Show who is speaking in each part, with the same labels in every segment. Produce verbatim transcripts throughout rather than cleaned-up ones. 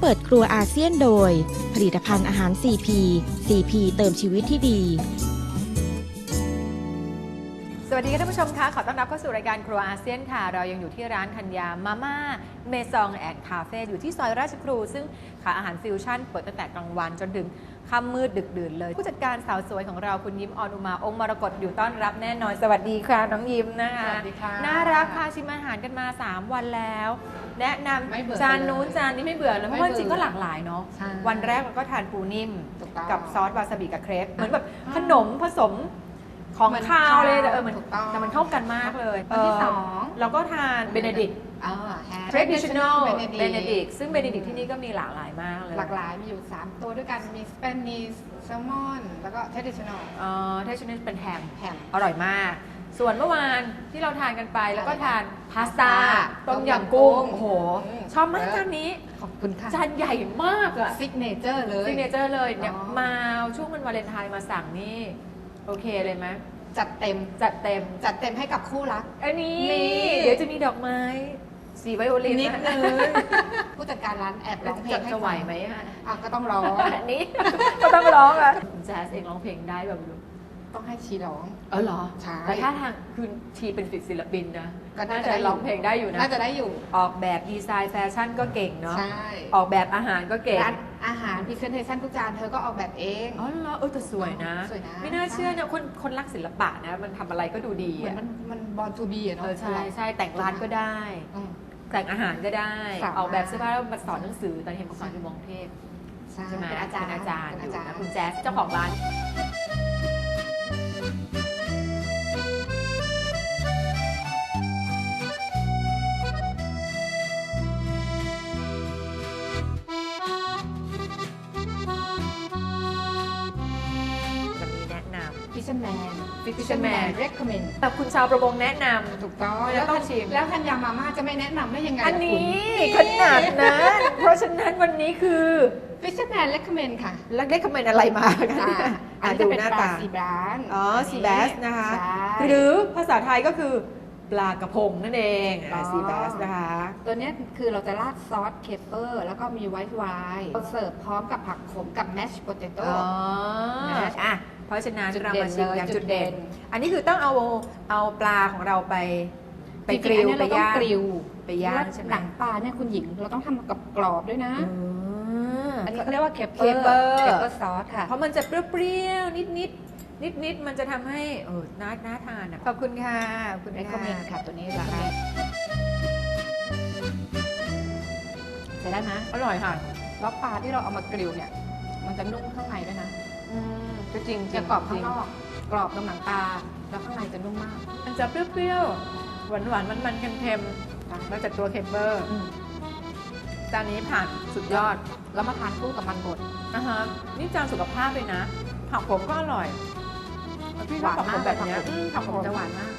Speaker 1: เปิดครัวอาเซียนโดยผลิตภัณฑ์อาหาร ซี พี ซี พี เติมชีวิตที่ดี
Speaker 2: สวัสดีค่ะท่านผู้ชมคะขอต้อนรับเข้าสู่รายการครัวอาเซียนค่ะเรายังอยู่ที่ร้านธัญญามาม่าเมซองแอนด์คาเฟ่อยู่ที่ซอยราชครูซึ่งขายอาหารฟิวชั่นเปิดตั้งแต่กลางวันจนถึงค่ำมืดดึกดื่นเลยผู้จัดการสาวสวยของเราคุณยิ้มออนอุมาองค์มรกตอยู่ต้อนรับแน่นอนสวัสดีค่ะน้องยิ้มนะคะ
Speaker 3: สวัสดีค่ะ
Speaker 2: น่ารักพาชิมอาหารกันมาสามวันแล้วแนะนำจานนู้นจานนี้ไม่เบื่อเลยเพราะว่าจริงก็หลากหลายเนาะวันแรกเราก็ทานปูนิ่มกับซอสวาซาบิกับเครปเหมือนแบบขนมผสมของข้าวเลยเออมันแต่มันเข้ากันมากเลย
Speaker 3: วันที่สอง
Speaker 2: เราก็ทานเบเนดิกต์เทรดิชันแนลเบเนดิกต์ซึ่งเบเนดิกต์ที่นี่ก็มีหลากหลายมากเลย
Speaker 3: หลากหลายมีอยู่สามตัวด้วยกันมีสเปนนีสแซลมอนแล้วก็เทรดิชันแนล
Speaker 2: อ๋อเทรดิชันแนลเป็นแฮมแฮมอร่อยมากส่วนเมื่อวานที่เราทานกันไปแล้วก็ทานพาสต้าต้มยำกุ้งโอ้โหชอบมากจานนี้
Speaker 3: ขอบคุณค่ะ
Speaker 2: จานใหญ่มากอะ
Speaker 3: ซิกเนเจอร์เลย
Speaker 2: ซิกเนเจอร์เลยเนี่ยมาช่วงวันวาเลนไทน์มาสั่งนี่โอเคเลยไหม
Speaker 3: จัดเต็ม
Speaker 2: จัดเต็ม
Speaker 3: จัดเต็มให้กับคู่รัก
Speaker 2: อันนี้เดี๋ยวจะมีดอกไม้สีไวโอลิน
Speaker 3: นิดนึงผู้จัดการร้านแอบร้องเพลงให้
Speaker 2: จะไหวไหมอ่
Speaker 3: ะก็ต้องร้อง
Speaker 2: อันนี้ก็ต้องร้องอ่ะแจ๊สเองร้องเพลงได้แบบ
Speaker 3: ต้องให้ชีร้อง
Speaker 2: เออเหรอ
Speaker 3: ใช่
Speaker 2: แต่ถ้าทางคือชีเป็นศิลปินนะก็น่าจะร้องเพลงได้อยู่นะ
Speaker 3: น่าจะได้อยู่
Speaker 2: ออกแบบดีไซน์แฟชั่นก็เก่งเนาะ
Speaker 3: ใช่
Speaker 2: ออกแบบอาหารก็เก่ง
Speaker 3: ร้านอาหารพรีเซนเทชันทุกจานเธอก็ออกแบบเอง
Speaker 2: อ๋อเหรอเออแต่สวยนะ
Speaker 3: สวยนะ
Speaker 2: ไม่น่าเชื่อนะคนคนรักศิลปะนะมันทำอะไรก็ดูดี
Speaker 3: เหมือนมันมันบอลทูบีอะเนาะ
Speaker 2: ใช่ใช่แต่งร้านก็ได้แต่งอาหารก็ได้ออกแบบเสื้อผ้าแล้วมาสอนหนังสือตอนเห็นมาสอนที่มองเทพใช่ไหม
Speaker 3: เป็นอาจารย์
Speaker 2: อาจารย์อยู่นะคุณแจ๊สเจ้าของร้าน
Speaker 3: ฟิชเชอร์แมน
Speaker 2: ฟิชเชอร์แมน
Speaker 3: recommend
Speaker 2: แต่คุณชาวประมงแนะน
Speaker 3: ำถูกต้อง
Speaker 2: แล้วต้องชิม
Speaker 3: แล้วธัญญามาม่าจะไม่แนะนำได้ยังไง
Speaker 2: อันนี้ขนาดนั้นเพราะฉะนั้นวันนี้คือ
Speaker 3: Fisherman recommend ค่ะ
Speaker 2: แล้ว recommend อะไรมากัน
Speaker 3: อันนี้เป็นปลาซีบาส
Speaker 2: อ๋อซีบาสนะคะหรือภาษาไทยก็คือปลากระพงนั่นเองซีบาสนะคะ
Speaker 3: ตัวนี้คือเราจะราดซอสเคปเปอร์แล้วก็มีไวท์ไวน์เราเสิร์ฟพร้อมกับผักขมกับแมชโพเตโต้
Speaker 2: อ๋ออ่ะเพราะฉะนั้นเรามาชิมอย่างจุดเด่นอันนี้คือต้องเอาเอาปลาของเราไปไปกริลไปย่างไปย่างใช่ไหม
Speaker 3: หนังปลาเนี่ยคุณหญิงเราต้องทำกับกรอบด้วยนะอันนี้เขาเรียกว่าเคปเปอร์
Speaker 2: เคปเปอ
Speaker 3: ร์ซอสค่ะ
Speaker 2: เพราะมันจะเปรี้ยวๆนิดนิดนิดนิดมันจะทำให้เออน่าน่าทานอ่ะขอบคุณค่ะ
Speaker 3: คุณได้คอมเมนต์ค่ะตัวนี้ราคาใช้ได้ไหม
Speaker 2: อร่อยค่ะ
Speaker 3: แล้วปลาที่เราเอามากริลเนี่ยมันจะนุ่มข้างในด้วยนะ
Speaker 2: ก็จริง
Speaker 3: จะกรอบข้างนอกกรอบตรงหนังปลาแล้วข้างในจะนุ่มมาก
Speaker 2: มันจะเปรี้ยวๆหวานหวานมันมันเค็มๆมาจากตัวเคปเปอร์จานนี้ผ่านสุดยอด
Speaker 3: แล้วมาทานคู่กับมันบด
Speaker 2: นะฮะนี่จานสุขภาพเลยนะผักผมก็อร่อย
Speaker 3: พี่ชอบผักผมแบบนี้
Speaker 2: ผักผมจะหวานมาก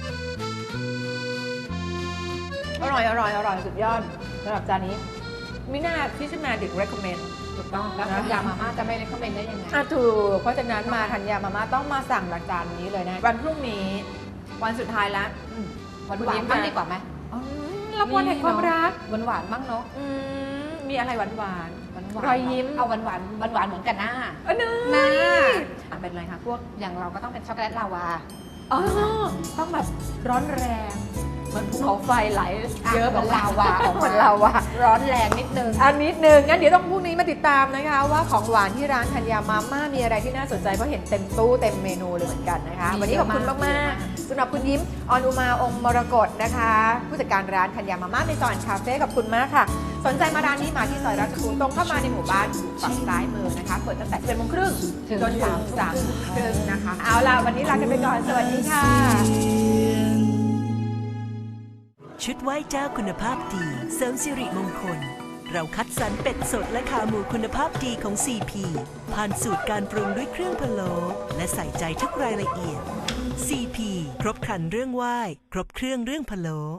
Speaker 2: อร่อยอร่อยอร่อยสุดยอดสำหรับจานนี้มิน่าที่ชื่อแมดิก recommend
Speaker 3: ถูกต้องแล้วธัญญามาม่าจะไม่ recommend ได้ยังไง
Speaker 2: อ่ะถูกเพราะฉะนั้นมาธัญญามาม่าต้องมาสั่งจานนี้เลยนะวันพรุ่งนี้วันสุดท้ายแล้ว
Speaker 3: วันหวานบ้างดีกว่าไหม
Speaker 2: รับวันแห่งความรัก
Speaker 3: หวานหวานบ้างเนาะ
Speaker 2: มีอะไรหวานหวาน
Speaker 3: รอยยิ้มเอาหวานหวานหวานหวานเหมือนกันหน้า
Speaker 2: หน้าเป็นอะไรคะพวก
Speaker 3: อย่างเราก็ต้องเป็นช็อกโกแลตลาวา
Speaker 2: อ๋อต้องแบบร้อนแรงเหมือนภูเขาไฟไหลเยอะ
Speaker 3: เหมือนลาวา
Speaker 2: เหมือนลาวา
Speaker 3: ร้อนแรงนิดนึง
Speaker 2: อันนิดนึงงั้นเดี๋ยวต้องพรุ่งนี้มาติดตามนะคะว่าของหวานที่ร้านธัญญามาม่ามีอะไรที่น่าสนใจเพราะเห็นเต็มตู้เต็มเมนูเลยเหมือนกันนะคะวันนี้ขอบคุณมากๆสำหรับคุณยิ้มออนอุมาองค์มรกตนะคะผู้จัดการร้านธัญญามาม่าในซอยคาเฟ่ขอบคุณมากค่ะสนใจมาร้านนี้มาที่ซอยราชครูตรงเข้ามาในหมู่บ้านฝั่งซ้ายมือนะคะเปิดตั้งแต่เจ็ดโมงครึ่งจนถึงสามครึ่งนะคะเอาล่ะวันนี้ลากันไปก่อนสวัสดีค่ะ
Speaker 4: ชุดไหว้เจ้าคุณภาพดีเสริมสิริมงคลเราคัดสรรเป็ดสดและขาหมูคุณภาพดีของ ซี พี ผ่านสูตรการปรุงด้วยเครื่องพะโล้และใส่ใจทุกรายละเอียด ซี พี ครบครันเรื่องไหว้ครบเครื่องเรื่องพะโล้